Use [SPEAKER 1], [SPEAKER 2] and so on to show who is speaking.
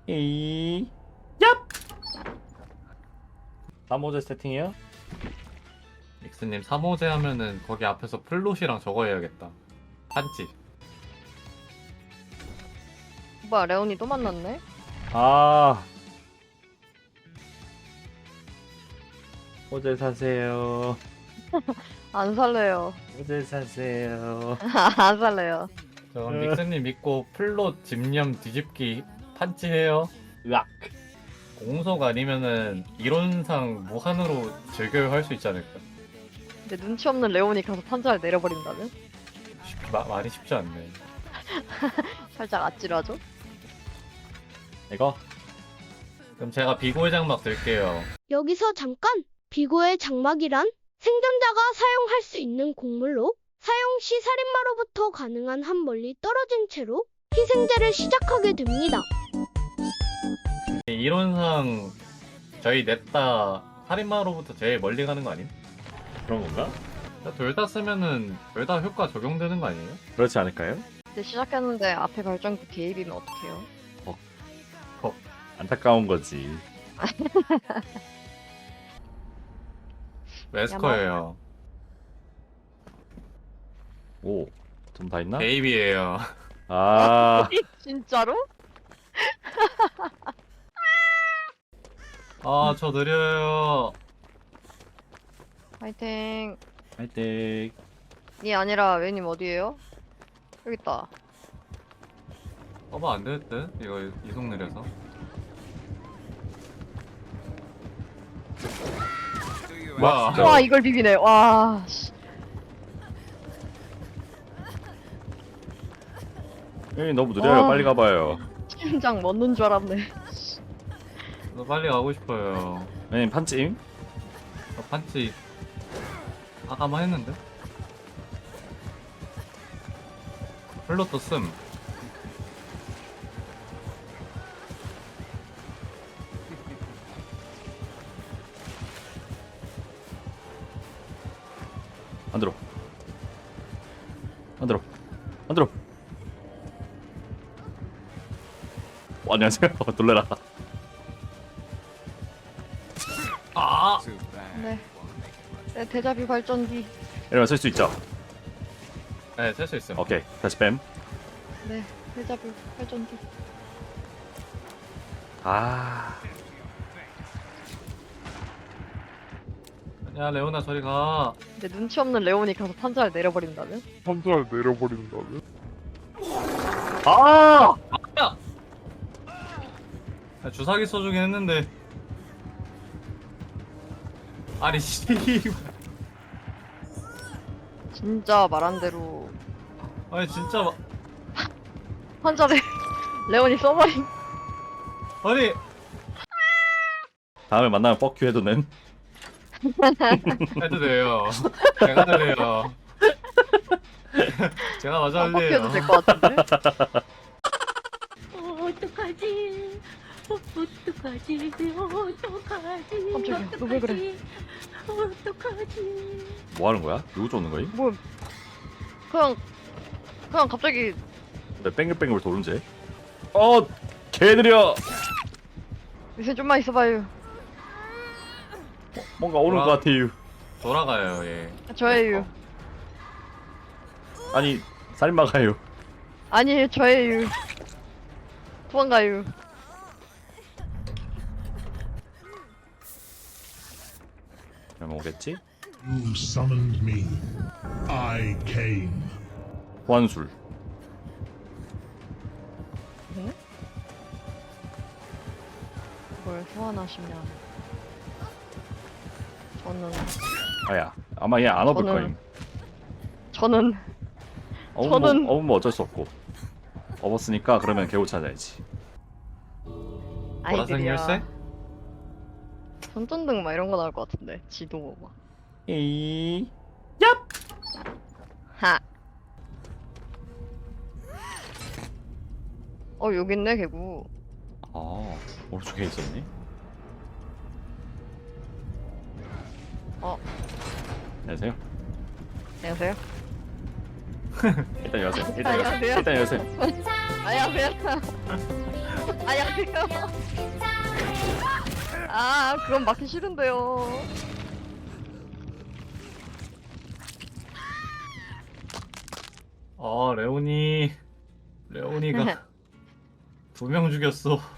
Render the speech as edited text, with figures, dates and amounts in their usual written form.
[SPEAKER 1] 에이, 얍! 3호제 세팅이요?
[SPEAKER 2] 믹스님 3호제 하면은 거기 앞에서 플롯이랑 저거 해야겠다. 한치.
[SPEAKER 3] 뭐야, 레온이 또 만났네?
[SPEAKER 1] 아, 호제 사세요.
[SPEAKER 3] 안 살래요.
[SPEAKER 1] 호제 사세요.
[SPEAKER 3] 안 살래요.
[SPEAKER 2] 저 믹스님 믿고 플롯 집념 뒤집기 판치 해요.
[SPEAKER 1] 으악.
[SPEAKER 2] 공속 아니면은 이론상 무한으로 즐겨야 할 수 있지 않을까?
[SPEAKER 3] 근데 눈치 없는 레온이 가서 판자를 내려버린다면?
[SPEAKER 2] 말이 쉽지 않네.
[SPEAKER 3] 살짝 아찔하죠?
[SPEAKER 1] 이거?
[SPEAKER 2] 그럼 제가 비고의 장막 들게요.
[SPEAKER 4] 여기서 잠깐! 비고의 장막이란 생존자가 사용할 수 있는 곡물로 사용 시 살인마로부터 가능한 한 멀리 떨어진 채로 희생제를 시작하게 됩니다.
[SPEAKER 2] 이론상 저희 냈다 살인마로부터 제일 멀리 가는 거 아님?
[SPEAKER 1] 그런 건가?
[SPEAKER 2] 둘 다 쓰면은 둘 다 효과 적용되는 거 아니에요?
[SPEAKER 1] 그렇지 않을까요?
[SPEAKER 3] 이제 시작했는데 앞에 발전기 개입이면 어떡해요?
[SPEAKER 1] 안타까운 거지.
[SPEAKER 2] 웨스커예요.
[SPEAKER 1] 오, 좀 다 있나?
[SPEAKER 2] 개입이에요.
[SPEAKER 1] 아,
[SPEAKER 3] 진짜로?
[SPEAKER 2] 아, 저 느려요.
[SPEAKER 3] 파이팅.
[SPEAKER 1] 화이팅.
[SPEAKER 3] 이 아니라 웨님 어디에요? 여기 있다.
[SPEAKER 2] 안 될 듯? 이거 이속 느려서. 와,
[SPEAKER 1] 진짜.
[SPEAKER 3] 와 이걸 비비네. 와. 씨.
[SPEAKER 1] 형님 너무 느려요.
[SPEAKER 3] 와.
[SPEAKER 1] 빨리 가봐요.
[SPEAKER 3] 심장 멎는 줄 알았네.
[SPEAKER 2] 저 빨리 가고 싶어요.
[SPEAKER 1] 형님 판찜?
[SPEAKER 2] 저 판치 아까만 했는데? 플롯도 씀.
[SPEAKER 1] 안 들어. 안 들어. 안 들어. 안녕하세요. 놀래라.
[SPEAKER 2] 아!
[SPEAKER 3] 네. 네 데자뷰 발전기.
[SPEAKER 1] 이러면 쓸 수 있죠?
[SPEAKER 2] 네, 셀 수 있어요.
[SPEAKER 1] 오케이. 다시 뺨.
[SPEAKER 3] 네 데자뷰 발전기.
[SPEAKER 1] 아,
[SPEAKER 2] 야, 레오나 저리 가.
[SPEAKER 3] 근데 눈치 없는 레온이 가서 판자를 내려버린다면?
[SPEAKER 5] 판자를 내려버린다면?
[SPEAKER 1] 아!
[SPEAKER 2] 야, 주사기 써주긴 했는데. 아니, 씨.
[SPEAKER 3] 진짜 말한 대로
[SPEAKER 2] 아니, 진짜.
[SPEAKER 3] 판자를 레온이 써버린.
[SPEAKER 2] 아니.
[SPEAKER 1] 다음에 만나면 뻑큐 해도 됨.
[SPEAKER 2] 해도 돼요. 제가 할래요. 제가 먼저 할래요.
[SPEAKER 3] 뻑해도 될 것 같은데?
[SPEAKER 6] 어떡하지? 어떡하지? 어떡하지?
[SPEAKER 3] 깜짝이야, 너왜 그래?
[SPEAKER 6] 어떡하지?
[SPEAKER 1] 뭐 하는 거야? 누구 쫓는 거임?
[SPEAKER 3] 뭐 그냥 갑자기
[SPEAKER 1] 내 뺑글뺑글 도는지. 개 느려.
[SPEAKER 3] 요새 좀만 있어봐요.
[SPEAKER 1] 뭔가 오는
[SPEAKER 2] 뭐야?
[SPEAKER 1] 것 같아요.
[SPEAKER 2] 돌아가요, 예.
[SPEAKER 3] 저예요.
[SPEAKER 1] 아니, 살인마가요.
[SPEAKER 3] 아니 저예요. 도망가요.
[SPEAKER 1] 그러면 오겠지?
[SPEAKER 5] You summoned me. I came.
[SPEAKER 1] 호환술.
[SPEAKER 3] 뭘 소환하시면 저는
[SPEAKER 1] 아야, 아마 얘 안 업을
[SPEAKER 3] 저는-
[SPEAKER 1] 거임.
[SPEAKER 3] 저는
[SPEAKER 1] 업으면 어쩔 수 없고. 업었으니까 그러면 개우 찾아야지.
[SPEAKER 2] 보라색
[SPEAKER 3] 아이들이야.
[SPEAKER 2] 열쇠?
[SPEAKER 3] 손전등 막 이런 거 나올 것 같은데 지도 막.
[SPEAKER 1] 에이.
[SPEAKER 3] 하. 여기 있네 개구.
[SPEAKER 1] 오른쪽에 있었니? 안녕하세요.
[SPEAKER 3] 안녕하세요.
[SPEAKER 1] 일단 여세요. 일단 여세요.
[SPEAKER 3] 안녕하세요.
[SPEAKER 1] 일단 여세요.
[SPEAKER 3] 안녕하세요. 안녕하세요. 아, 그건 맞기 싫은데요.
[SPEAKER 2] 레오니가 2명 죽였어.